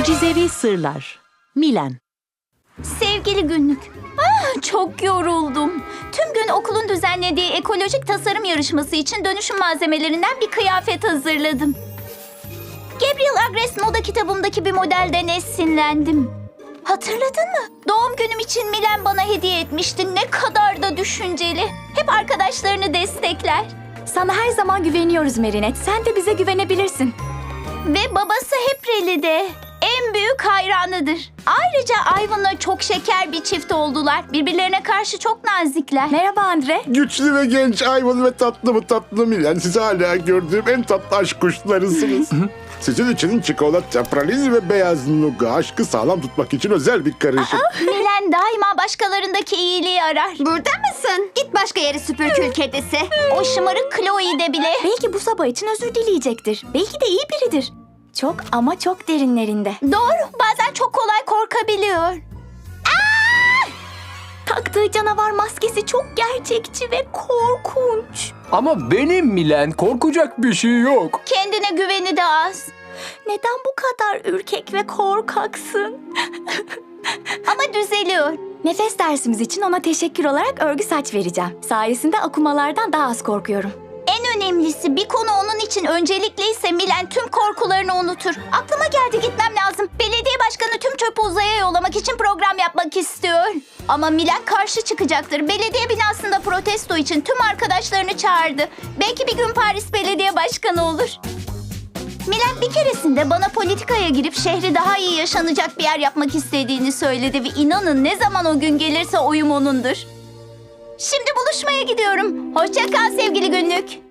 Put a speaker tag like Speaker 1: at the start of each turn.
Speaker 1: Mucizevi Sırlar. Milen.
Speaker 2: Sevgili günlük. Çok yoruldum. Tüm gün okulun düzenlediği ekolojik tasarım yarışması için dönüşüm malzemelerinden bir kıyafet hazırladım. Gabriel Agres moda kitabımdaki bir modelden esinlendim. Hatırladın mı? Doğum günüm için Milen bana hediye etmişti. Ne kadar da düşünceli. Hep arkadaşlarını destekler.
Speaker 3: Sana her zaman güveniyoruz Merinet. Sen de bize güvenebilirsin.
Speaker 2: Ve babası hep Reli'de. En büyük hayranıdır. Ayrıca Ivan'la çok şeker bir çift oldular. Birbirlerine karşı çok nazikler.
Speaker 3: Merhaba Andre.
Speaker 4: Güçlü ve genç Ivan ve tatlı Milen. Siz hala gördüğüm en tatlı aşk kuşlarısınız. Sizin için çikolata, pralin ve beyaz nuga aşkı sağlam tutmak için özel bir karışım.
Speaker 2: Milen daima başkalarındaki iyiliği arar.
Speaker 5: Burada mısın? Git başka yere süpürkül kedisi.
Speaker 2: O şımarık Chloe de bile.
Speaker 3: Belki bu sabah için özür dileyecektir. Belki de iyi biridir. Çok ama çok derinlerinde.
Speaker 2: Doğru, bazen çok kolay korkabiliyor.
Speaker 3: Taktığı canavar maskesi çok gerçekçi ve korkunç.
Speaker 6: Ama benim Milen, korkacak bir şey yok.
Speaker 2: Kendine güveni de az.
Speaker 3: Neden bu kadar ürkek ve korkaksın?
Speaker 2: Ama düzeliyor.
Speaker 3: Nefes dersimiz için ona teşekkür olarak örgü saç vereceğim. Sayesinde akumalardan daha az korkuyorum.
Speaker 2: En önemlisi bir konu onun için öncelikliyse Milen tüm korkularını unutur. Aklıma geldi, gitmem lazım. Belediye başkanı tüm çöpü uzaya yollamak için program yapmak istiyor. Ama Milen karşı çıkacaktır. Belediye binasında protesto için tüm arkadaşlarını çağırdı. Belki bir gün Paris belediye başkanı olur. Milen bir keresinde bana politikaya girip şehri daha iyi yaşanacak bir yer yapmak istediğini söyledi ve inanın ne zaman o gün gelirse oyum onundur. Şimdi buluşmaya gidiyorum. Hoşça kal sevgili günlük.